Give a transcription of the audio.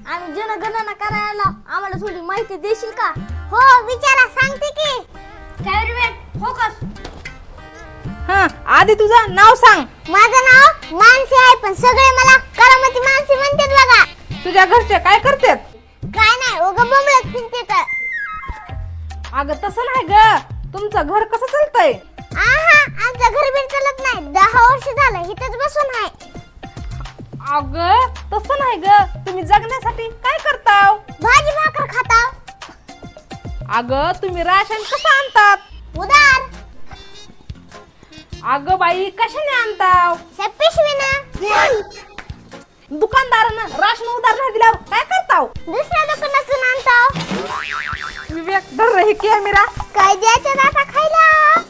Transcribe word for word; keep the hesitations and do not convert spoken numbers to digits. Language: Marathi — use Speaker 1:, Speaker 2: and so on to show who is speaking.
Speaker 1: आम्ही जनगणना करायला, आम्हाला थोडी माहिती देशील का?
Speaker 2: हो विचारा, सांगते की.
Speaker 1: Cameraman focus.
Speaker 3: हा, आधी तुझं नाव सांग.
Speaker 2: माझं नाव मानसी आहे, पण सगळे मला करामती मानसी म्हणतात बघा.
Speaker 3: तुझ्या घरचे काय करतात?
Speaker 2: काय नाही, उगा बोंबलत फिरते तर.
Speaker 3: अगं तसं नाही ग, तुमचं घर कसं चालतंय?
Speaker 2: आहा, आमचं घर बीर चालत नाही, दहा वर्ष झालं इथंच बसून आहे.
Speaker 3: अगं तसं नाही ग, तुम्ही जगण्यासाठी काय करताव?
Speaker 2: भाजी भाकर खाताव.
Speaker 3: अगं तुम्ही राशन कसं आणतात?
Speaker 2: उदार
Speaker 3: अगं बाई कशाने आणताव?
Speaker 2: त्या पिशवीनं.
Speaker 3: दुकानदारानं राशन उधार नाही दिल्यावर काय करताव?
Speaker 2: दुसऱ्या दुकानातून आणताव.
Speaker 3: विवेक धर रे हे कॅमेरा.
Speaker 2: काय द्यायचं आता खायला?